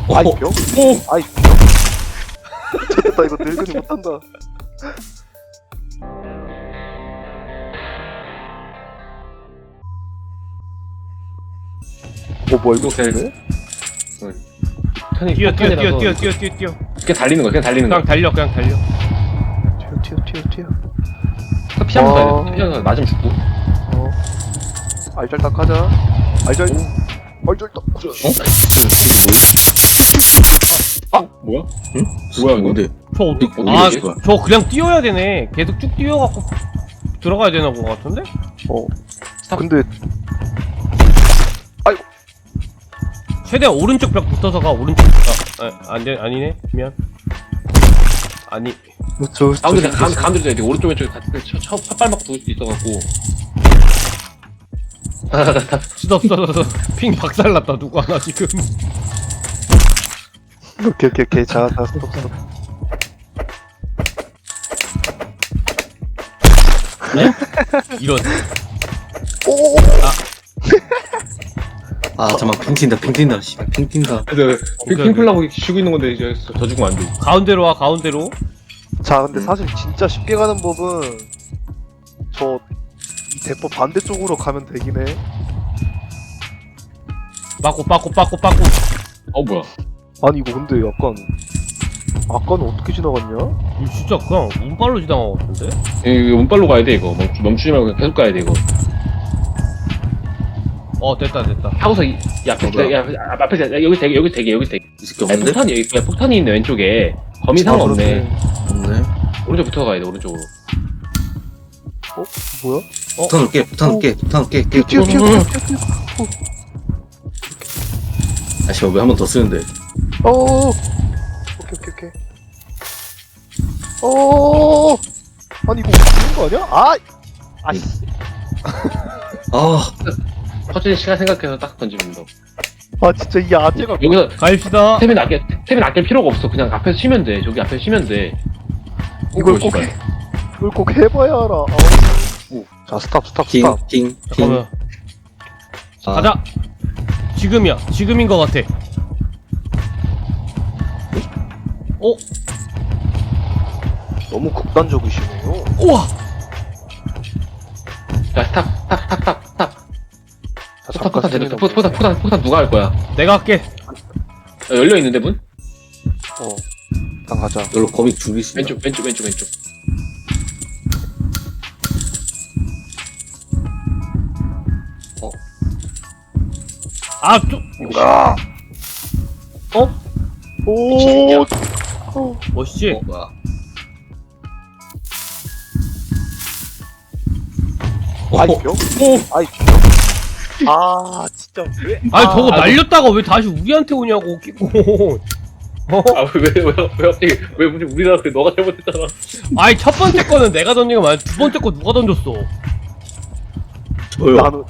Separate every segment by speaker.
Speaker 1: 아이 병? 아이 됐다 이거 늙은이 못한다. 뭐야 이거
Speaker 2: 돼?
Speaker 3: 뛰어.
Speaker 2: 그냥 달리는 거야, 그냥 달리는 거야.
Speaker 3: 그냥 달려.
Speaker 1: 튀어.
Speaker 2: 피 한번 가야 돼. 피 한번 맞으면 죽고.
Speaker 1: 알잘딱 하자. 알잘딱.
Speaker 2: 뭐야? 응? 뭐야, 이거?
Speaker 4: 뭔데?
Speaker 3: 저 그냥 뛰어야 되네. 계속 쭉 뛰어갖고 들어가야 되나 본 것 같은데?
Speaker 1: 근데
Speaker 3: 최대한 오른쪽 벽 붙어서 가. 오른쪽. 아니네. 미안. 아니.
Speaker 2: 가운데 가야 돼. 오른쪽 왼쪽에 다 팟발막 두을 수 있어갖고.
Speaker 3: 스톱. 핑 박살났다. 누구 하나 지금.
Speaker 1: 오케이 자 스톱.
Speaker 3: 네? 이런.
Speaker 4: 잠깐만, 핑 튄다, 씨발, 핑 튄다.
Speaker 2: 핑플라고 쉬고 있는 건데, 이제 더 죽으면 안 돼.
Speaker 3: 가운데로 와. 가운데로.
Speaker 1: 자 근데 사실 진짜 쉽게 가는 법은 이 대포 반대쪽으로 가면 되긴 해.
Speaker 3: 빠꾸.
Speaker 2: 뭐야.
Speaker 1: 아니 이거 근데 약간 아까는 어떻게 지나갔냐?
Speaker 3: 이거 진짜 그냥 운빨로 지나간 것 같은데?
Speaker 2: 이거 운빨로 가야 돼, 이거. 멈추지 말고 계속 가야 돼, 이거.
Speaker 3: 됐다.
Speaker 2: 하고서 앞에 여기 되게
Speaker 4: 이 새끼 없는데?
Speaker 2: 폭탄이 있네, 왼쪽에. 거미 상관없네.
Speaker 4: 없네.
Speaker 2: 오른쪽 붙어 가야 돼, 오른쪽으로.
Speaker 1: 뭐야?
Speaker 4: 폭탄 올게.
Speaker 1: 튀어.
Speaker 4: 아, 씨발, 왜 한 번 더 쓰는데?
Speaker 1: 오케이. 아니 이거 죽는 거 아니야? 아이씨.
Speaker 2: 터지는 시간 생각해서 딱 던지면 돼.
Speaker 1: 진짜 이 아재가
Speaker 2: 여기서
Speaker 3: 가입시다.
Speaker 2: 템은 아낄 필요가 없어. 그냥 앞에서 쉬면 돼. 저기 앞에서 쉬면 돼.
Speaker 1: 이걸 꼭 해봐야 알아. 자 스탑.
Speaker 4: 핑.
Speaker 3: 잠깐만. 가자. 지금인 것 같아.
Speaker 1: 너무 극단적이시네요.
Speaker 3: 우와.
Speaker 2: 자, 스탑.
Speaker 1: 자,
Speaker 2: 폭탄 대도 폭탄 누가 할 거야?
Speaker 3: 내가 할게.
Speaker 2: 열려 있는데 문?
Speaker 1: 일단 가자.
Speaker 4: 이걸로 거미 죽일 수 있나?
Speaker 2: 왼쪽.
Speaker 1: 오.
Speaker 3: 멋있지?
Speaker 4: 뭐야?
Speaker 1: 아이 병? 진짜 왜?
Speaker 3: 저거 날렸다가 왜 다시 우리한테 오냐고 끼고.
Speaker 2: 왜 갑자기 왜 우리나라 그래? 너가 잘못했잖아.
Speaker 3: 첫 번째 거는 내가 던진 거 맞아. 두 번째 거 누가 던졌어?
Speaker 4: 저요.
Speaker 1: 나는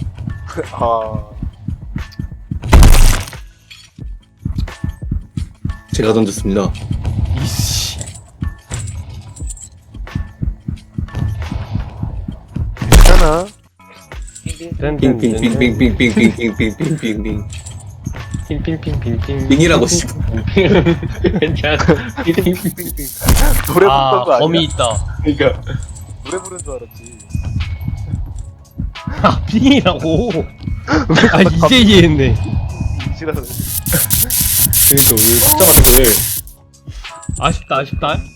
Speaker 4: 제가 던졌습니다.
Speaker 3: 이씨.
Speaker 1: 괜찮아.
Speaker 4: 핑.
Speaker 2: 핑.
Speaker 4: 핑이라고 씨.
Speaker 2: 괜찮아.
Speaker 1: 노래 부르는 거 아니야?
Speaker 3: 범이 있다.
Speaker 2: 그러니까
Speaker 1: 노래 부르는 줄 알았지.
Speaker 3: 빙이라고. 이제 이해했네.
Speaker 1: 지랄하네.
Speaker 2: 그러니까 왜 진짜 많은데.
Speaker 3: 아쉽다.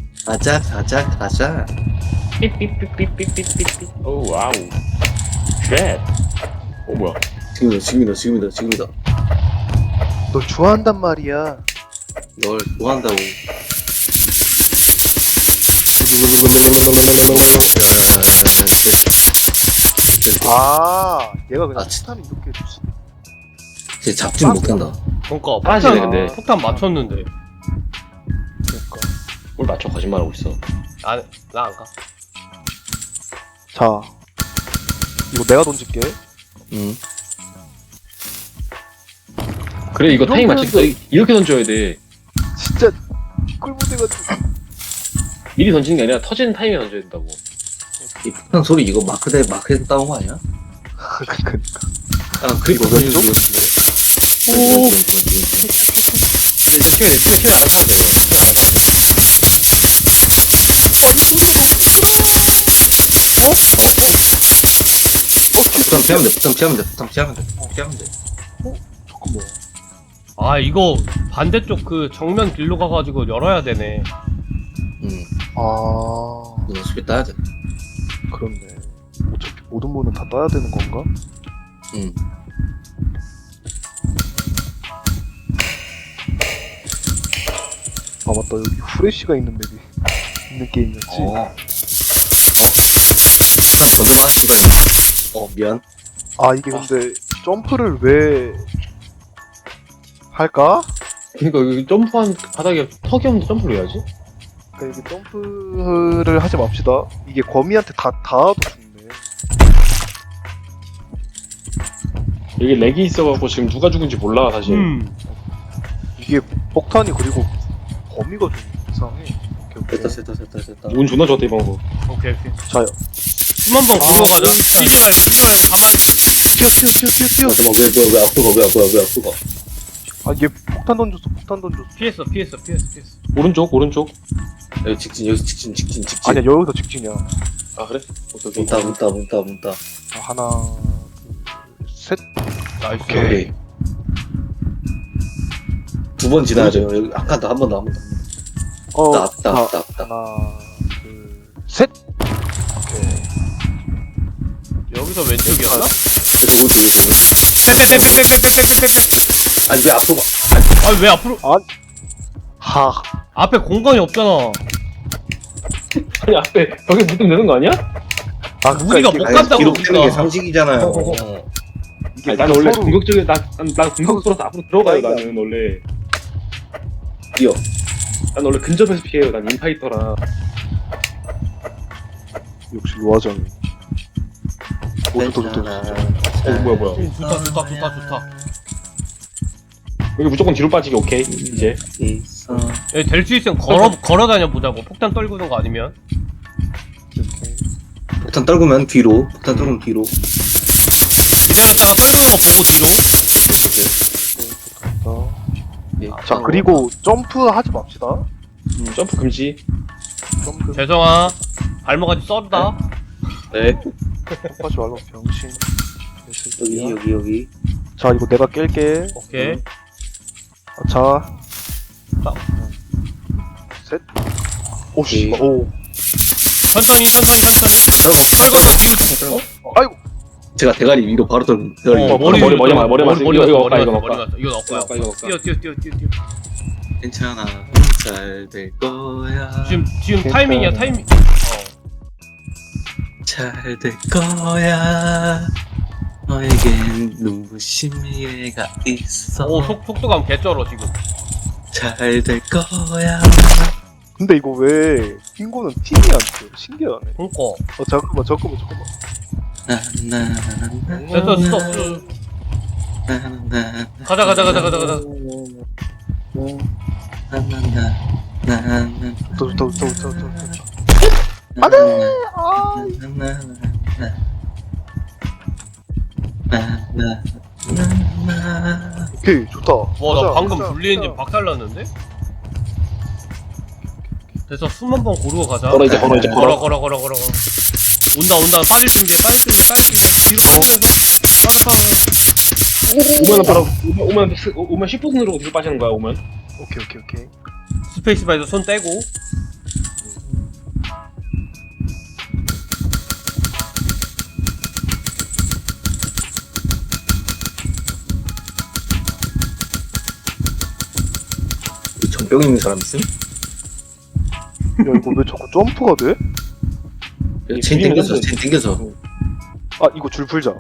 Speaker 4: 가자.
Speaker 2: 삐삐삐삐삐삐삐삐. 오 와우. 쉣. 뭐야?
Speaker 4: 지금이다.
Speaker 1: 널 좋아한단 말이야.
Speaker 4: 널 좋아한다고.
Speaker 1: 얘가 그냥
Speaker 4: 아,
Speaker 1: 스탄이 이렇게 해주지.
Speaker 4: 쟤 잡진 못한다.
Speaker 3: 그러니까
Speaker 2: 빠지네, 근데.
Speaker 3: 폭탄 맞췄는데.
Speaker 1: 그러니까.
Speaker 2: 뭘 맞춰 거짓말하고 있어.
Speaker 3: 나 안 가.
Speaker 1: 자, 이거 내가 던질게.
Speaker 4: 응.
Speaker 2: 그래 이거 타임 맞추기 이렇게 던져야 돼.
Speaker 1: 진짜 꿀무대가지고.
Speaker 2: 미리 던지는 게 아니라 터지는 타임에 던져야 된다고.
Speaker 4: 이 폭탄 소리 이거 마크에서 따온 거 아니야?
Speaker 1: 그러니까.
Speaker 4: 그리고
Speaker 1: 왼쪽?
Speaker 4: 오.
Speaker 2: 킬 알아서 하면 돼.
Speaker 4: 부탄 피하면 돼, 부탄 피하면 돼, 부탄 피하면 돼, 피하면 돼.
Speaker 1: 잠깐만.
Speaker 3: 아 이거 반대쪽 그 정면 길로 가가지고 열어야 되네.
Speaker 1: 아,
Speaker 4: 이거 어차피 따야 돼.
Speaker 1: 그렇네. 어차피 모든 문은 다 따야 되는 건가? 아 맞다, 여기 후레쉬가 있는 맵이 있는 게임이었지.
Speaker 4: 부탄 건너가는 순간에. 미안.
Speaker 1: 아 이게 근데 점프를 왜 할까?
Speaker 2: 그니까 여기 점프한 바닥에 턱이 없는데 점프를 왜 하지?
Speaker 1: 그러니까 이게 점프를 하지 맙시다. 이게 거미한테 다 닿아도 죽네.
Speaker 2: 여기 렉이 있어갖고 지금 누가 죽은지 몰라 사실.
Speaker 1: 이게 폭탄이 그리고 거미가 좀 이상해. 오케이,
Speaker 4: 됐다.
Speaker 2: 운 존나 좋았다 이번 거.
Speaker 3: 오케이.
Speaker 1: 자요.
Speaker 3: 숨 한번 고르고 가자. 뛰지 말고 가만히.
Speaker 1: 뛰어.
Speaker 4: 잠깐만, 왜 앞으로 가?
Speaker 1: 아 얘 폭탄 던졌어.
Speaker 3: 피했어.
Speaker 2: 오른쪽.
Speaker 4: 여기 여기서 직진.
Speaker 1: 아니야 여기서 직진이야.
Speaker 2: 아 그래? 오케이.
Speaker 4: 문따.
Speaker 1: 아, 하나, 둘, 셋.
Speaker 3: 나이스.
Speaker 1: 오케이.
Speaker 4: 2번 지나야죠. 여기 한 칸 더, 한 번 더. 왔다.
Speaker 1: 하나, 둘, 셋. 오케이.
Speaker 3: 여기서 왼쪽이었나?
Speaker 4: 그리고
Speaker 3: 빼빼빼빼빼빼빼빼빼.
Speaker 4: 아니 왜 앞으로 가?
Speaker 3: 아왜 앞으로?
Speaker 1: 하.
Speaker 3: 앞에 공간이 없잖아.
Speaker 2: 아니 앞에 벽에 붙으면 되는 거 아니야?
Speaker 1: 아
Speaker 3: 우리가 못 간다고.
Speaker 4: 뒤로 빼는 게
Speaker 3: 우리가.
Speaker 4: 상식이잖아요.
Speaker 1: 이게
Speaker 2: 아니, 나는 원래
Speaker 1: 서로-
Speaker 2: 공격적인 난 공격으로서 앞으로 들어가요 나는 원래.
Speaker 4: 뛰어.
Speaker 2: 난 원래 근접에서 피해요. 난 인파이터라.
Speaker 1: 역시 로아장이. 좋다.
Speaker 2: 뭐야.
Speaker 3: 좋다.
Speaker 2: 여기 무조건 뒤로 빠지기 오케이 이제.
Speaker 4: 있어.
Speaker 3: 여기 될 수 있으면 걸어 다녀 보자고. 폭탄 떨구는 거 아니면.
Speaker 1: 이렇게.
Speaker 4: 폭탄 떨구면 뒤로. 기다렸다가
Speaker 3: 떨구는 거 보고 뒤로.
Speaker 1: 좋다. 자 그리고 점프 하지 맙시다.
Speaker 2: 점프 금지.
Speaker 1: 점프
Speaker 3: 죄송아. 발목까지 썰다.
Speaker 4: 네.
Speaker 1: 하지 말고 병신.
Speaker 4: 여기.
Speaker 1: 자 이거 내가 깰게.
Speaker 3: 오케이.
Speaker 1: 자. 셋. 오씨.
Speaker 4: 오케이.
Speaker 1: 오.
Speaker 3: 천천히. 떨궈서 뒤로.
Speaker 1: 아이고.
Speaker 4: 제가 대가리 위로 바로 떨군. 대가리 위로.
Speaker 2: 머리 맞았어. 이거 먹까.
Speaker 3: 이거 넣고.
Speaker 2: 이거
Speaker 3: 뛰어.
Speaker 4: 괜찮아. 잘 될 거야.
Speaker 3: 지금 타이밍이야. 타이밍.
Speaker 4: 잘 될 거야. 너에겐 눈부신 미래가 있어.
Speaker 3: 오 속도감 개쩔어 지금.
Speaker 4: 잘 될 거야.
Speaker 1: 근데 이거 왜 핑고는 팀이 안 돼? 신기하네.
Speaker 3: 그니까.
Speaker 1: 잠깐만.
Speaker 3: 됐어 스톱. 가자.
Speaker 1: 좋다. 오케이 좋다.
Speaker 3: 와 나 방금
Speaker 1: 가자,
Speaker 3: 분리 엔진
Speaker 1: 가자.
Speaker 3: 박살났는데? 됐어 숨 한 번 고르고 가자.
Speaker 2: 걸어 이제 걸어.
Speaker 3: 걸어. 온다. 빠질 준비해. 뒤로 빠져서.
Speaker 2: 오면 바로 오면 10분 누르고 뒤로 빠지는 거야 오면.
Speaker 1: 오케이.
Speaker 3: 스페이스바에서 손 떼고.
Speaker 4: 전병 있는 사람 있음?
Speaker 1: 야 이거 왜 자꾸 점프가 돼?
Speaker 4: 체인 땡겨서.
Speaker 1: 아 이거 줄 풀자.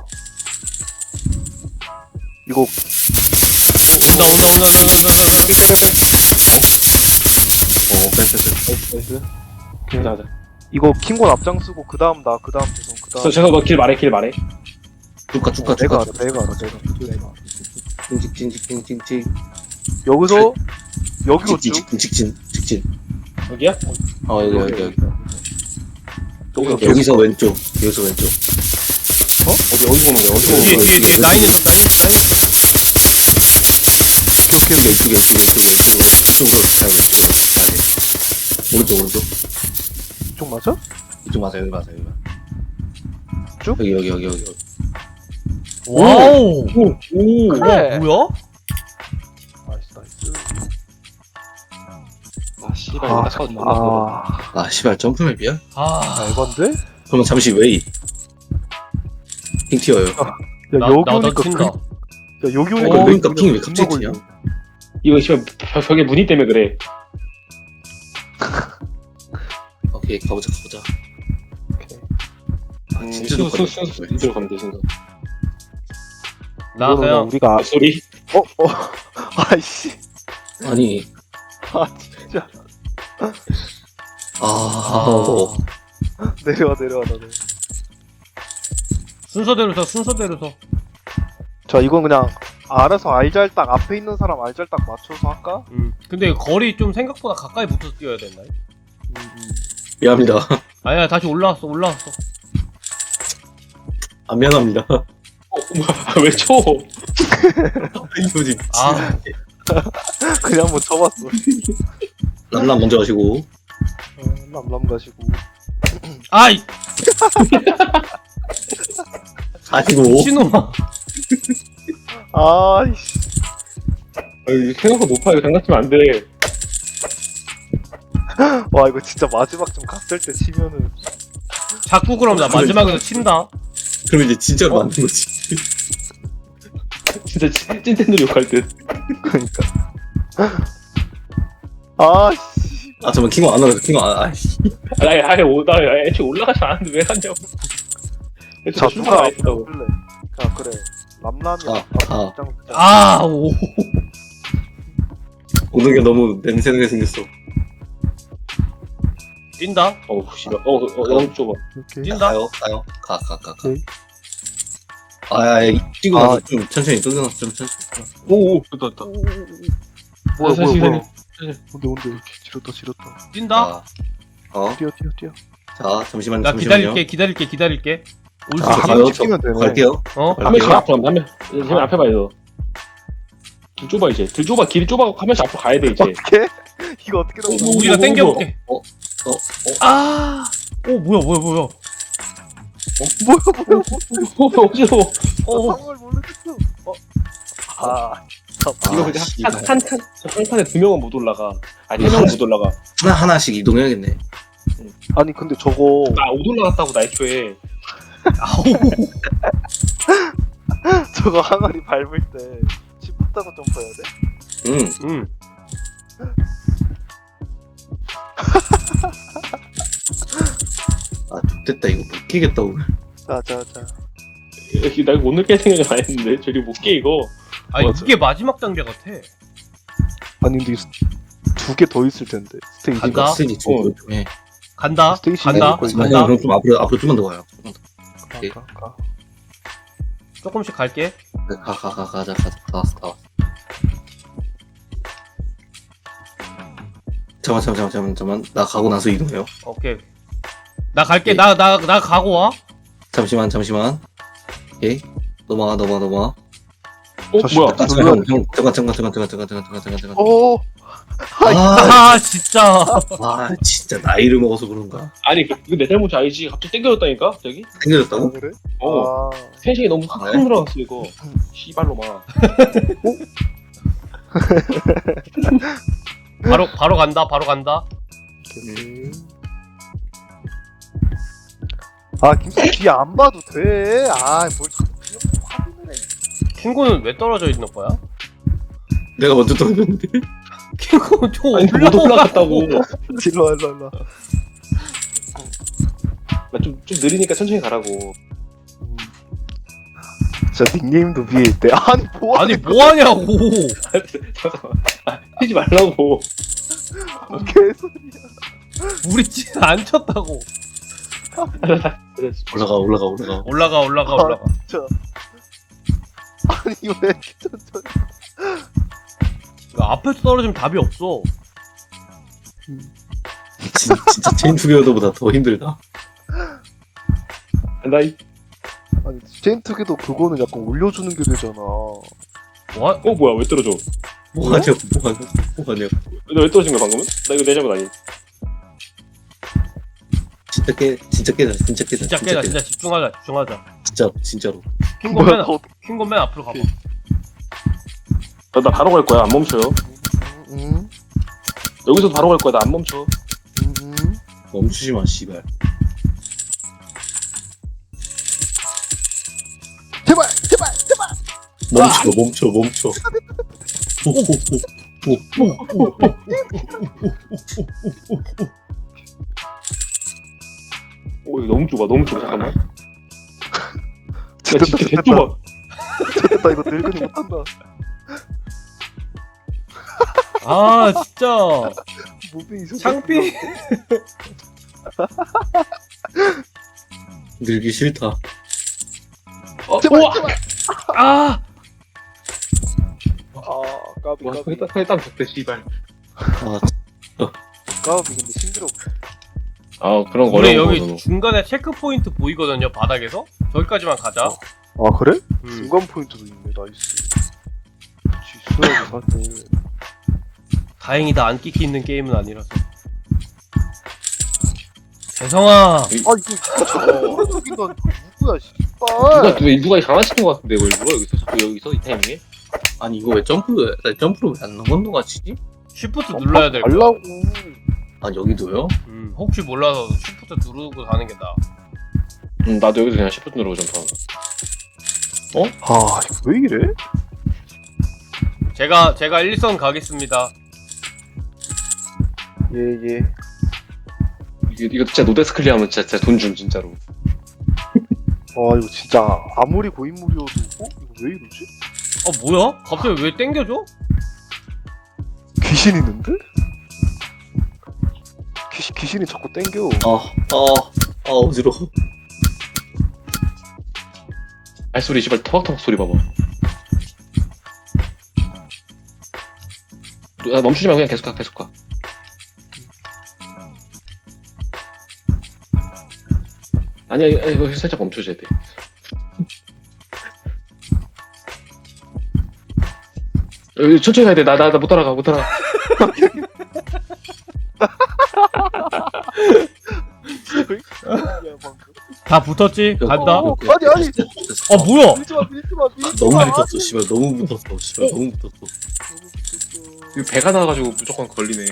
Speaker 1: 이거
Speaker 2: 나이스. 가자.
Speaker 1: 이거 킹곤 앞장쓰고 그 다음 죄송 그 다음.
Speaker 2: 제가 길 말해.
Speaker 4: 쭉가.
Speaker 1: 내가 알아.
Speaker 4: 직진.
Speaker 1: 여기서 여기로 쭉.
Speaker 4: 직진.
Speaker 2: 여기야?
Speaker 4: 여기. 여기서 왼쪽.
Speaker 2: 어디 보는 거야?
Speaker 3: 뒤에 라인에서.
Speaker 4: 이쪽에 이쪽으로 가야 돼. 오른쪽.
Speaker 1: 이쪽 맞아?
Speaker 4: 이쪽 맞아요. 여기 맞아요. 여기.
Speaker 1: 쭉?
Speaker 4: 여기.
Speaker 3: 와우.
Speaker 2: 오.
Speaker 1: 그래.
Speaker 3: 뭐야?
Speaker 1: 나이스.
Speaker 2: 아 씨발.
Speaker 1: 아,
Speaker 2: 나
Speaker 1: 잠깐만.
Speaker 2: 잠깐만.
Speaker 4: 아 씨발 점프맵이야?
Speaker 3: 아,
Speaker 1: 에반데?
Speaker 4: 그러면 잠시 웨이. 핑 튀어요.
Speaker 1: 야,
Speaker 3: 나
Speaker 1: 여기
Speaker 3: 나도
Speaker 1: 오니까
Speaker 3: 튄다.
Speaker 1: 야, 여기 오니까
Speaker 4: 어, 그러니까
Speaker 1: 그냥
Speaker 4: 핑이 왜 갑자기
Speaker 1: 겁나
Speaker 4: 튀냐?
Speaker 1: 걸려.
Speaker 2: 이거 씨발 벽에 무늬 때문에 그래.
Speaker 4: 오케이 가보자. 아, 진짜
Speaker 2: 순 이대로 가면 돼 순서.
Speaker 3: 나
Speaker 1: 이거는
Speaker 3: 그냥
Speaker 1: 우리가
Speaker 2: 소리.
Speaker 1: 아이씨.
Speaker 4: 아니.
Speaker 1: 아, 진짜. 내려와 나네.
Speaker 3: 순서대로 서.
Speaker 1: 자, 이건 그냥 알아서 알잘딱 앞에 있는 사람 알잘딱 맞춰서 할까?
Speaker 3: 근데 거리 좀 생각보다 가까이 붙어서 뛰어야 된다.
Speaker 4: 미안합니다.
Speaker 3: 아니야, 다시 올라왔어.
Speaker 4: 안 미안합니다.
Speaker 2: 뭐야 왜 쳐?
Speaker 4: 이거지.
Speaker 3: 아,
Speaker 1: 그냥 한번 쳐봤어.
Speaker 4: 람람 먼저 가시고.
Speaker 1: 람람 가시고.
Speaker 3: 아이,
Speaker 4: 아이고.
Speaker 3: 신놈아.
Speaker 1: 아이씨.
Speaker 2: 생각보다 높아. 이거 장난치면 안 돼.
Speaker 1: 와, 이거 진짜 마지막 좀 갔을 때 치면은.
Speaker 3: 자꾸 그럼 나 마지막에서 친다.
Speaker 4: 그럼 이제 진짜로 만든 거지.
Speaker 2: 진짜 찐텐들 욕할 듯.
Speaker 1: 그러니까. 아씨.
Speaker 4: 아 잠깐 킹거 안 올라가. 아이씨.
Speaker 2: 나 애초에 올라가지 않았는데 왜 갔냐고.
Speaker 1: 자, 누가
Speaker 2: 안 했다고.
Speaker 1: 그래. 자, 그래. 람람이
Speaker 4: 아.
Speaker 3: 아, 오.
Speaker 4: 오는 게 너무 냄새나게 생겼어.
Speaker 3: 뛴다.
Speaker 2: 어우 씨발. 너무 좁아.
Speaker 1: 이렇게.
Speaker 3: 뛴다.
Speaker 4: 가요. 가.
Speaker 1: 오케이.
Speaker 4: 뛰고 나서 좀 천천히 좀 천천히.
Speaker 2: 오오 됐다.
Speaker 1: 뭐야.
Speaker 2: 시간이.
Speaker 1: 온데. 지렸다.
Speaker 3: 뛴다.
Speaker 1: 뛰어.
Speaker 4: 자 잠시만요.
Speaker 3: 나 기다릴게. 올 수
Speaker 1: 아,
Speaker 3: 있지?
Speaker 1: 한 명 찍히면 되네.
Speaker 4: 갈게요.
Speaker 2: 한 명씩 앞으로 한 명. 앞에 봐야 돼. 길 좁아 이제. 길이 좁아. 한 명씩 앞으로 가야 돼 이제.
Speaker 1: 어떻게? 이거 어떻게 넘어?
Speaker 3: 우리가 땡겨볼게.
Speaker 4: 아.
Speaker 3: 오, 뭐야.
Speaker 1: 뭐야?
Speaker 2: 어지러워.
Speaker 1: 상황을 모르겠어. 아,
Speaker 2: 이거 근데
Speaker 4: 씨발.
Speaker 2: 한 칸에 2명은 못 올라가. 아니 3명은 못 올라가.
Speaker 4: 하나씩 이동해야겠네.
Speaker 1: 아니 근데 저거
Speaker 2: 나 못 올라갔다고 나 애초에.
Speaker 3: 아우.
Speaker 1: 저거 항아리 밟을 때 짚었다고 점프해야 돼?
Speaker 3: 응.
Speaker 4: 아 됐다 이거 못 끼겠다 오늘.
Speaker 1: 자.
Speaker 2: 나 이거 오늘 깰 생각은 안 했는데 저리 못 깨 이거.
Speaker 3: 아니,
Speaker 1: 맞아.
Speaker 3: 이게 마지막 단계 같아.
Speaker 1: 아니 근데 2개 더 있을 텐데 스테이지가.
Speaker 3: 간다.
Speaker 4: 스테이지 좀 해.
Speaker 3: 간다.
Speaker 1: 스테이시
Speaker 3: 간다.
Speaker 1: 내릴
Speaker 4: 아니
Speaker 3: 간다.
Speaker 4: 그럼 좀 앞으로 좀만 더 가요.
Speaker 1: 가.
Speaker 3: 조금씩 갈게.
Speaker 4: 가자. 다 왔어. 잠깐만. 나 가고 나서 이동해요.
Speaker 3: 오케이. 나 갈게. 나 가고 와.
Speaker 4: 잠시만. 오케이. 넘어가.
Speaker 2: 뭐야?
Speaker 4: 잠깐.
Speaker 1: 오.
Speaker 3: 아, 진짜.
Speaker 4: 진짜 나이를 먹어서 그런가?
Speaker 2: 아니 이거 내 잘못이 아니지. 갑자기 땡겨졌다니까 갑자기.
Speaker 4: 생겨졌다고?
Speaker 1: 그래?
Speaker 2: 어. 텐션이 너무 확 늘어났어 이거. 씨발로마.
Speaker 3: 바로 간다.
Speaker 1: 오케이. 아 김수 뒤에 안 봐도 돼. 뭘 자꾸 그냥 확인을 해.
Speaker 3: 킹고는 왜 떨어져 있는 거야?
Speaker 4: 내가 먼저 떨어졌는데.
Speaker 3: 킹고 저
Speaker 2: 아니 못 올라갔다고.
Speaker 1: 일로 와.
Speaker 2: 나 좀 느리니까 천천히 가라고.
Speaker 1: 진짜 닉네임도 위에 있대. 아니 뭐야?
Speaker 3: 아니, 뭐 하냐고.
Speaker 2: 잠깐만. 뛰지 말라고.
Speaker 1: 개소리야.
Speaker 3: 우리 안 쳤다고.
Speaker 4: 올라가.
Speaker 1: 진짜. 아니 왜 이렇게 천천히?
Speaker 3: 앞에서 떨어지면 답이 없어.
Speaker 4: 진짜 체인 투게더보다 더 힘들다.
Speaker 2: 나이.
Speaker 1: 아니 체인투게도 그거는 약간 올려주는 게 되잖아.
Speaker 3: 뭐?
Speaker 2: 뭐야 왜 떨어져?
Speaker 4: 뭐하냐고.
Speaker 2: 너 왜 떨어진 거야 방금은? 나 이거 내 잘못 아니?
Speaker 4: 진짜 깨다.
Speaker 3: 진짜 깨다. 진짜 집중하자.
Speaker 4: 진짜로.
Speaker 1: 뭐야,
Speaker 3: 킹곤 맨 앞으로 가봐.
Speaker 2: 나 바로 갈 거야. 안 멈춰요.
Speaker 1: 음,
Speaker 2: 여기서도 바로 갈 거야. 나 안 멈춰.
Speaker 4: 멈추지 마, 씨발.
Speaker 1: 제발.
Speaker 4: 멈춰.
Speaker 2: 이거 너무 좁아. 잠깐만. 야
Speaker 1: 됐다,
Speaker 2: 진짜
Speaker 1: 됐다.
Speaker 2: 개좁아.
Speaker 1: 됐다, 이거 늙은이 못한다.
Speaker 3: 아 진짜
Speaker 1: 무빙이 저
Speaker 3: 창피.
Speaker 4: 늙기 싫다.
Speaker 1: 제발.
Speaker 3: 아
Speaker 1: 까비.
Speaker 2: 땀 줬대 씨발.
Speaker 4: 아,
Speaker 1: 까비, 근데 힘들어.
Speaker 2: 아 그런 거
Speaker 3: 우리
Speaker 2: 어려운
Speaker 3: 여기
Speaker 2: 거잖아.
Speaker 3: 중간에 체크 포인트 보이거든요 바닥에서. 저기까지만 가자.
Speaker 1: 아, 그래?
Speaker 3: 음.
Speaker 1: 중간 포인트도 있네, 나이스. 지수하게 사실.
Speaker 3: 다행이다 안 끼기 있는 게임은 아니라서. 재성아.
Speaker 1: 아, 이거 저거 누구야, 씨발.
Speaker 2: 누가 장난치는 거 같은데 뭘 누가 여기서 이 타이밍에?
Speaker 4: 아니 이거 왜 점프로 왜 안 건너가지지?
Speaker 3: 쉬프트 눌러야 될 거야.
Speaker 1: 알라고.
Speaker 4: 아 여기도요?
Speaker 3: 혹시 몰라서 쉬프트 누르고 가는 게 나아.
Speaker 2: 나도 여기서 그냥 10분 누르고 점프한다.
Speaker 1: 아, 이거 왜 이래?
Speaker 3: 제가 1선 가겠습니다.
Speaker 1: 예.
Speaker 2: 이거 진짜 노데스 클리어하면 진짜 돈 줌 진짜로.
Speaker 1: 아, 이거 진짜 아무리 고인물이어도 이거 왜 이러지?
Speaker 3: 뭐야? 갑자기 왜 땡겨줘?
Speaker 1: 귀신 있는데? 귀신이 자꾸 땡겨.
Speaker 4: 어지러워.
Speaker 2: 발소리 씨발 터벅터벅 소리 봐봐. 멈추지 말고 그냥 계속 가. 아니야 이거 살짝 멈춰줘야 돼. 여기 천천히 가야 돼. 나 못 따라가.
Speaker 3: 다 붙었지? 간다.
Speaker 1: 아니.
Speaker 3: 뭐야?
Speaker 1: 밀지 마.
Speaker 4: 너무 붙었어, 씨발. 너무 붙었어.
Speaker 2: 이거 배가 나와가지고 무조건 걸리네.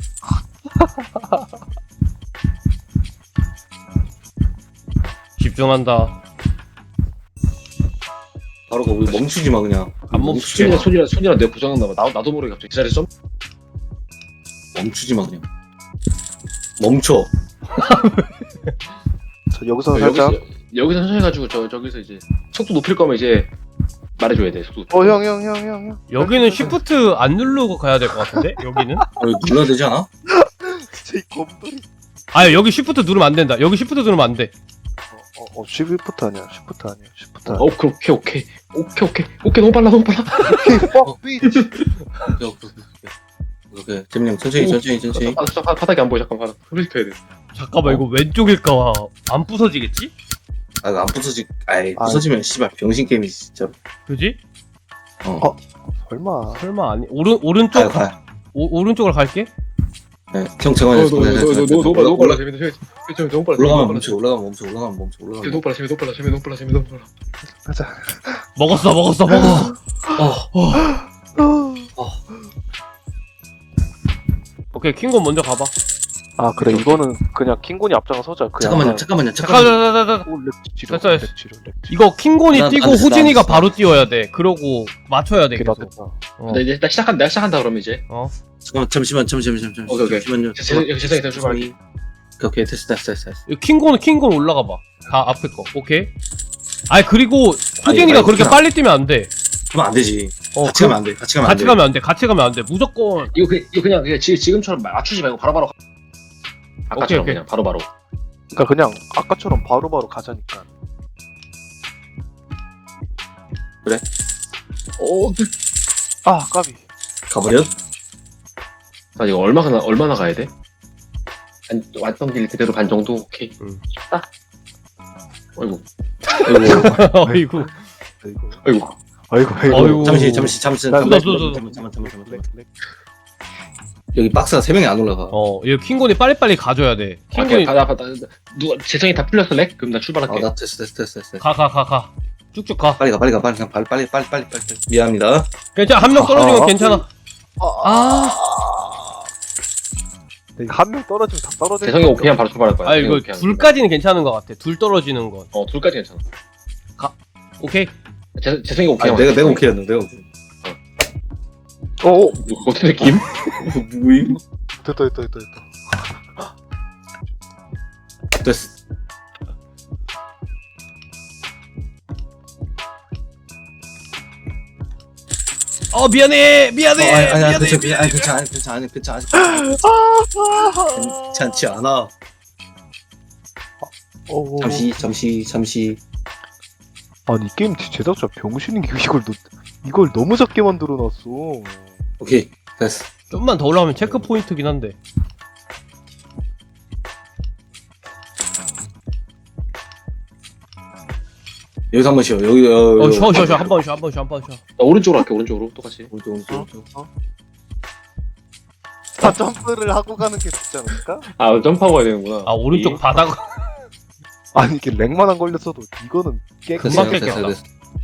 Speaker 3: 집중한다.
Speaker 4: 바로 가. 우리 멈추지 마 그냥.
Speaker 3: 안 멈추게.
Speaker 2: 손이랑 내가 고장났나 봐. 나도 모르게 갑자기 그 자리에서 점.
Speaker 4: 멈추지 마 그냥. 멈춰.
Speaker 1: 저 여기서 살짝.
Speaker 2: 여기서 천천히 가지고 저기서 이제 속도 높일 거면 이제 말해줘야 돼. 속도.
Speaker 1: 형.
Speaker 3: 여기는 쉬프트 안 누르고 가야 될 것 같은데? 여기는?
Speaker 4: 이거 눌러야 되지 않아?
Speaker 1: 진짜 이 검돌이.
Speaker 3: 여기 쉬프트 누르면 안 된다. 여기 쉬프트 누르면 안 돼.
Speaker 1: 쉬프트 아니야. 쉬프트 아니야.
Speaker 2: 오케이 너무 빨라.
Speaker 1: 오케이, fuck bitch.
Speaker 4: 오케이. 재민이 형 천천히.
Speaker 2: 바닥이 안 보여. 잠깐 바닥 흡입해야 돼.
Speaker 3: 잠깐만 이거 왼쪽일까 안 부서지겠지?
Speaker 4: 아 이거 안 부서지. 부서지면 씨발 병신 게임이지 진짜.
Speaker 3: 그지?
Speaker 1: 설마.
Speaker 3: 설마 아니 오른쪽
Speaker 4: 가.
Speaker 3: 오른쪽으로 갈게.
Speaker 4: 네. 형 잠깐만요.
Speaker 2: 너무 빨라. 재밌다. 너무 빨라.
Speaker 4: 올라가면 멈춰.
Speaker 2: 너무 빨라.
Speaker 1: 가자.
Speaker 3: 먹었어. 오케이 킹곤 먼저 가봐.
Speaker 1: 아, 그래. 이거는 그냥 킹곤이 앞장을 서자.
Speaker 4: 잠깐만요.
Speaker 3: 잠깐.
Speaker 1: 랩치료.
Speaker 3: 됐어. 이거 킹곤이
Speaker 4: 난
Speaker 3: 뛰고
Speaker 4: 안 됐어,
Speaker 3: 호진이가
Speaker 4: 안 됐어.
Speaker 3: 바로 뛰어야 돼. 그러고 맞춰야 돼
Speaker 1: 됐다.
Speaker 3: 계속.
Speaker 2: 이제 내가 시작한다 그러면 이제.
Speaker 4: 잠시만.
Speaker 2: 오케이.
Speaker 4: 잠시만요.
Speaker 2: 재생이 출발할게.
Speaker 4: 오케이 됐어.
Speaker 3: 킹곤 올라가 봐. 다 앞에 거. 오케이. 그리고 호진이가
Speaker 4: 아니,
Speaker 3: 그렇게
Speaker 4: 그냥-
Speaker 3: 빨리 뛰면 안 돼.
Speaker 4: 그러면 안 되지.
Speaker 3: 어,
Speaker 4: 같이 가면 안 돼.
Speaker 3: 같이 가면 안 돼. 무조건.
Speaker 2: 이거 그냥 지금처럼 맞추지 말고 바로바로. 아까처럼
Speaker 3: 오케이.
Speaker 2: 그냥 바로바로.
Speaker 1: 그러니까 그냥 아까처럼 바로바로 가자니까. 까비.
Speaker 4: 가버려?
Speaker 2: 나 이거 얼마나 가야 돼? 왔던 길 그대로 반 정도? 오케이.
Speaker 3: 응.
Speaker 2: 딱. 어이구.
Speaker 3: 어이구.
Speaker 1: 이거.
Speaker 2: 어이구.
Speaker 1: 아이고
Speaker 3: 아이고.
Speaker 4: 잠시.
Speaker 1: 나-
Speaker 3: 나-
Speaker 4: 잠깐만. 여기 박스가 3명이 안 올라가.
Speaker 3: 이거 킹곤이 빨리빨리 가줘야 돼. 킹곤이
Speaker 2: 누가 재성이 다 풀렸어 렉? 그럼 나 출발할게.
Speaker 4: 나 됐어.
Speaker 3: 가. 쭉쭉 가.
Speaker 4: 빨리 가. 빨리. 미안합니다.
Speaker 3: 괜찮아. 한 명 떨어지면 괜찮아.
Speaker 1: 한 명 떨어지면 다 떨어져.
Speaker 2: 재성이 오케이면 바로 출발할 거야.
Speaker 3: 아 이거
Speaker 2: 오케이 하면.
Speaker 3: 둘까지는 괜찮은 것 같아. 둘 떨어지는 건.
Speaker 2: 둘까지 괜찮아.
Speaker 3: 오케이.
Speaker 2: 재성이 오케이.
Speaker 4: 아니, 내가 오케이였는데. 내가 오케이.
Speaker 2: 어떤 느낌?
Speaker 4: 뭐임?
Speaker 1: 됐다.
Speaker 4: 됐어.
Speaker 3: 미안해.
Speaker 4: 아니, 괜찮아. 괜찮지 않아. 잠시.
Speaker 1: 아니 게임 제작자 병신인 게 이걸 너무 작게 만들어놨어.
Speaker 4: 오케이, 됐어.
Speaker 3: 좀만 더 올라가면 체크 포인트긴 한데.
Speaker 4: 여기서 한번 쉬어. 여기.
Speaker 3: 쉬어. 한 번 쉬어.
Speaker 2: 나 오른쪽으로 할게. 오른쪽으로 똑같이.
Speaker 4: 오른쪽.
Speaker 1: 다 점프를 하고 가는 게 좋지 않을까?
Speaker 2: 아 점프하고 가야 되는구나.
Speaker 3: 오른쪽 바닥.
Speaker 1: 아니 이게 렉만 안 걸렸어도 이거는
Speaker 3: 금방 깼겠다.
Speaker 4: 됐어.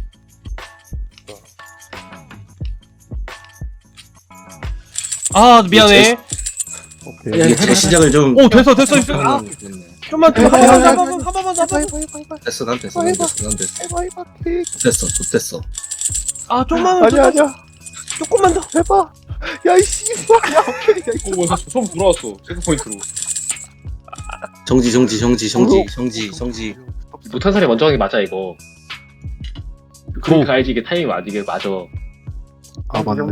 Speaker 3: 미안해.
Speaker 1: 오케이.
Speaker 2: 야,
Speaker 4: 이게 재시작을 좀.
Speaker 3: 됐어. 좀만 더. 한 번만 더.
Speaker 4: 됐어. 난 됐어. 됐어.
Speaker 3: 좀만
Speaker 1: 아니야.
Speaker 3: 조금만 더.
Speaker 1: 해봐. 야이 씨발. 야 오케이. 야 이거.
Speaker 2: 오, 나 처음 돌아왔어. 체크 포인트로.
Speaker 4: 정지.
Speaker 2: 못한 사람이 먼저 하는 게 맞아 이거. 그러니까 알지 이게 타이밍 맞아 이게 맞아.
Speaker 1: 아 맞네.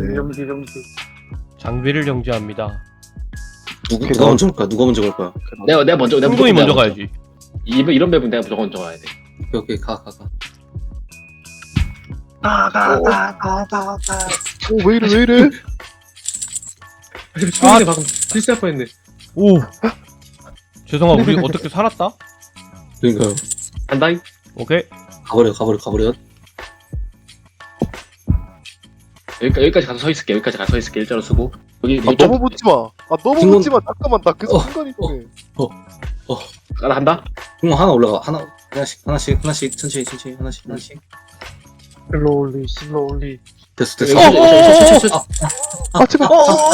Speaker 3: 장비를 정지합니다.
Speaker 4: 누가 먼저 갈 거야?
Speaker 2: 내가 먼저
Speaker 3: 킹곤이
Speaker 2: 무조건
Speaker 3: 먼저 가야지.
Speaker 2: 이런 맵은 내가 무조건 먼저 가야 돼.
Speaker 4: 오케이, 가.
Speaker 1: 왜 이래?
Speaker 2: 방금 실수할 뻔했네.
Speaker 3: 오. 죄송아, 우리 어떻게 살았다?
Speaker 4: 그러니까요.
Speaker 2: 간다잉.
Speaker 3: 오케이.
Speaker 4: 가버려.
Speaker 2: 여기까지 가서 서 있을게. 일자로 쓰고. 여기
Speaker 1: 너무 붙지 마.
Speaker 4: 킹곤-
Speaker 1: 붙지 마. 잠깐만 나 계속 순간이 돼.
Speaker 2: 나 한다.
Speaker 4: 그럼 하나 올라가. 하나씩. 천천히. 하나씩.
Speaker 1: 슬로울리.
Speaker 4: 됐어.
Speaker 1: 아 제발.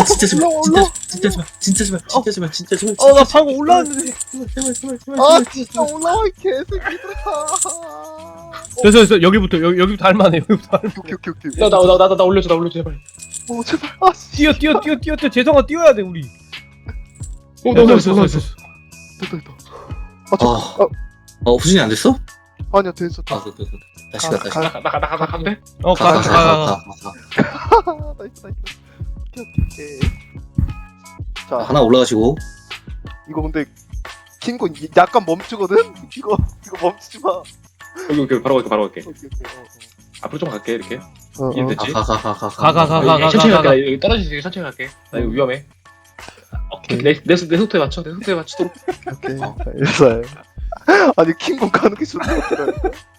Speaker 4: 진짜 제발.
Speaker 3: 나 방금 올라왔는데.
Speaker 1: 아 진짜 올라와 이 개새끼들아.
Speaker 3: 됐어. 여기부터 할만해.
Speaker 1: 오케이.
Speaker 2: 나 올려줘 제발.
Speaker 1: 제발. 아 씨.
Speaker 3: 뛰어. 재성아, 뛰어야 돼, 우리.
Speaker 2: 됐어.
Speaker 1: 됐다.
Speaker 4: 후진이 안 됐어?
Speaker 1: 아니야 됐어.
Speaker 4: 됐어. 다시 가.
Speaker 2: 나 간대.
Speaker 3: 가.
Speaker 1: 나이스. 오케이. 자
Speaker 4: 하나 올라가시고.
Speaker 1: 이거 근데 킹곤 약간 멈추거든. 이거 멈추지 마.
Speaker 2: 여기 바로 갈게.
Speaker 1: 오케이.
Speaker 2: 앞으로 좀 갈게 이렇게.
Speaker 1: 어.
Speaker 2: 이해됐지?
Speaker 4: 가.
Speaker 2: 천천히
Speaker 3: 가.
Speaker 2: 갈게. 여기 떨어지지 천천히 갈게. 나 이거 위험해. 오케이. 내 속도에 맞추도록.
Speaker 1: 오케이. 알겠어요. 아니 킹곤 가는 게 좋은 것 같더라.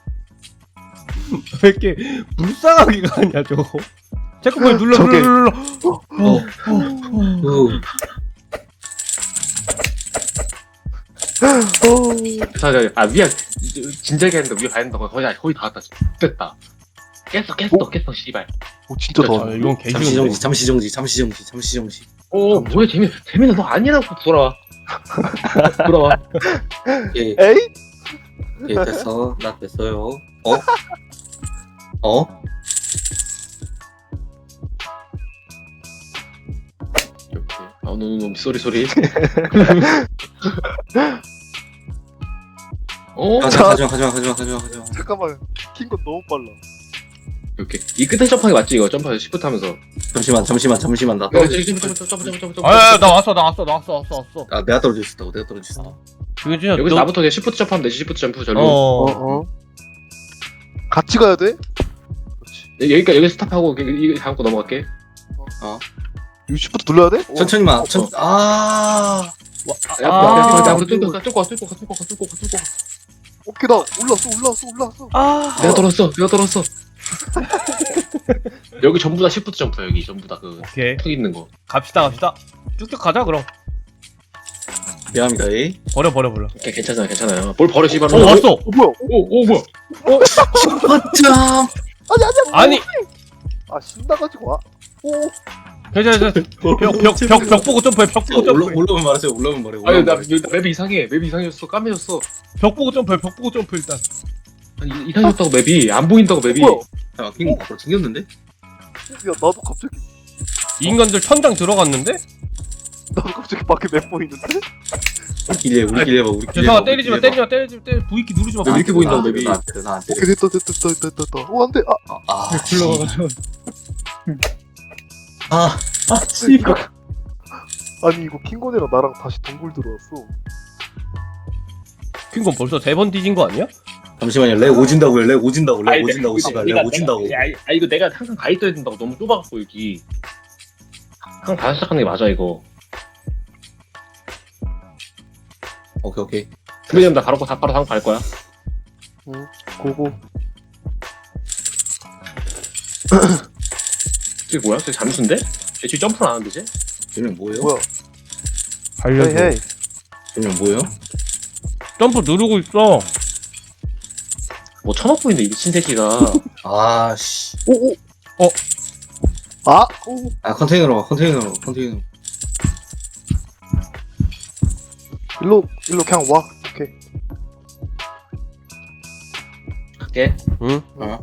Speaker 3: 왜 이렇게 불쌍하게 가냐, 저거. 체크포인트 눌러.
Speaker 2: 위야 진작에 했는데 위에 가야 된다고 거의 다 왔다. 됐다. 깼어 씨발.
Speaker 1: 오 진짜 더.
Speaker 3: 이건 개쉬운데.
Speaker 4: 잠시 정지.
Speaker 2: 뭐야 재민아 너 아니라고 돌아와.
Speaker 4: 예,
Speaker 1: 에이?
Speaker 4: 됐어. 나 됐어요.
Speaker 2: 노 소리.
Speaker 4: 가져와.
Speaker 1: 잠깐만. 킹곤 너무 빨라.
Speaker 2: 오케이. 이 끝에 점프하는 게 맞지 이거 점프 시프트 하면서.
Speaker 4: 잠시만. 나
Speaker 2: 점프.
Speaker 3: 나 왔어.
Speaker 4: 내가 떨어져 있었다고.
Speaker 3: 이게 진짜
Speaker 2: 여기서 나부터 그냥 시프트 점프하면 되지. 시프트 점프 전류.
Speaker 1: 같이 가야 돼?
Speaker 2: 여기 스탑하고 이거 다음 거 넘어갈게.
Speaker 1: 유시부터 눌러야 돼?
Speaker 4: 천천히만.
Speaker 2: 앞으로 뚫고 가.
Speaker 1: 오케이 나 올라왔어.
Speaker 2: 내가 떨었어. 여기 전부 다 시프트 점프야 여기 전부 다 그
Speaker 3: 오케이.
Speaker 2: 턱 있는 거.
Speaker 3: 갑시다. 쭉쭉 가자 그럼.
Speaker 4: 미안합니다. 에이.
Speaker 3: 버려.
Speaker 2: 오케이, 괜찮아요. 뭘 버려 씨발.
Speaker 3: 왔어.
Speaker 1: 뭐야?
Speaker 2: 오 뭐야?
Speaker 4: 어쩜.
Speaker 3: 아니.
Speaker 1: 아 신나가지고 와. 오.
Speaker 3: 괜찮아. 벽 보고 점프해. 벽 보고 점프해.
Speaker 4: 올라오면 말하세요. 올라오면 말해.
Speaker 2: 아니 나 맵이 이상해. 맵이 이상해졌어. 까매졌어.
Speaker 3: 벽 보고 점프해. 일단.
Speaker 2: 아니 이상해졌다고 맵이 안 보인다고 맵이.
Speaker 1: 뭐야?
Speaker 4: 야, 핑 바로 생겼는데?
Speaker 1: 야 나도 갑자기
Speaker 3: 이 인간들 천장 들어갔는데?
Speaker 1: 밖에 맵 보이는데?
Speaker 4: 우리끼리 해봐. 우리끼리
Speaker 3: 죄송아
Speaker 4: 해봐,
Speaker 3: 때리지 마.
Speaker 4: 우리끼리 해봐.
Speaker 3: V키 누르지 마.
Speaker 2: 왜 이렇게 보인다고,
Speaker 4: 나,
Speaker 2: 맵이.
Speaker 4: 나 안 때려, 나안 때려.
Speaker 1: 오케이 됐다. 오 안돼.
Speaker 3: 굴러가가지고.
Speaker 1: 아니 이거 킹곤이랑 나랑 다시 동굴 들어왔어.
Speaker 3: 킹건 벌써 3번 뒤진 거 아니야?
Speaker 4: 잠시만요. 렉 오진다고요. 렉 오진다고.
Speaker 2: 아니,
Speaker 4: 씨발.
Speaker 2: 내가-
Speaker 4: 렉 오진다고.
Speaker 2: 이거 내가 항상 가 있어야 된다고 너무 좁아갖고 여기. 항상 다시 시작하는 게 맞아 이거.
Speaker 4: 오케이.
Speaker 2: 준비되면 나 바로 상갈 거야.
Speaker 1: 고고.
Speaker 2: 저게 뭐야? 저게 잠수인데? 쟤 지금 점프를 안 하는데 쟤?
Speaker 4: 쟤는 뭐예요?
Speaker 1: 뭐야?
Speaker 3: 알려줘.
Speaker 1: 헤이.
Speaker 4: 쟤는 뭐예요?
Speaker 3: 점프 누르고 있어.
Speaker 2: 뭐 쳐먹고 있네 이 미친 새끼가.
Speaker 4: 아, 씨.
Speaker 1: 오.
Speaker 3: 어.
Speaker 1: 아. 오.
Speaker 4: 아, 컨테이너로 가. 컨테이너로.
Speaker 1: 일로 그냥 와. 오케이.
Speaker 2: 갈게.
Speaker 3: 응.
Speaker 4: 어.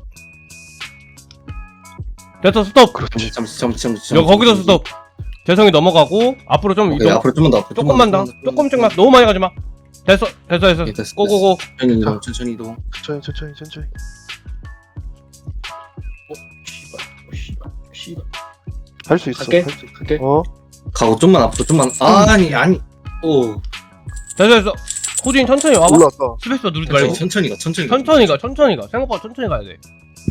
Speaker 3: 됐어 스톱.
Speaker 4: 잠시.
Speaker 3: 여기 거기서 스톱. 재성이 넘어가고 앞으로 좀
Speaker 4: 오케이,
Speaker 3: 이동.
Speaker 4: 앞으로 좀만 더. 앞으로
Speaker 3: 조금만 더. 조금씩만. 너무 많이 가지 마. 됐어.
Speaker 4: 오케이, 됐어.
Speaker 3: 고고고.
Speaker 4: 천천히 이동.
Speaker 1: 천천히.
Speaker 2: 씨발.
Speaker 1: 할 수 있어.
Speaker 2: 갈게.
Speaker 1: 할 수 있어.
Speaker 2: 갈게.
Speaker 4: 가고 좀만 앞으로 좀만. 아니. 오.
Speaker 3: 됐어. 호진이 천천히 와봐.
Speaker 1: 올라왔다.
Speaker 3: 스페이스 누르지 말고.
Speaker 4: 천천히 가.
Speaker 3: 천천히 가. 생각보다 천천히 가야 돼.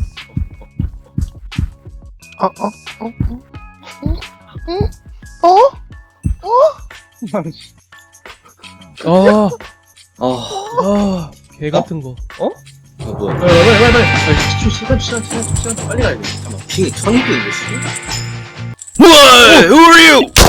Speaker 3: 개 같은 거. 어?
Speaker 4: 뭐야.
Speaker 2: 빨리. 시간 빨리 가야 돼. 잠깐만.
Speaker 4: 핑이 1000개 있네, 씨.
Speaker 3: Who are you?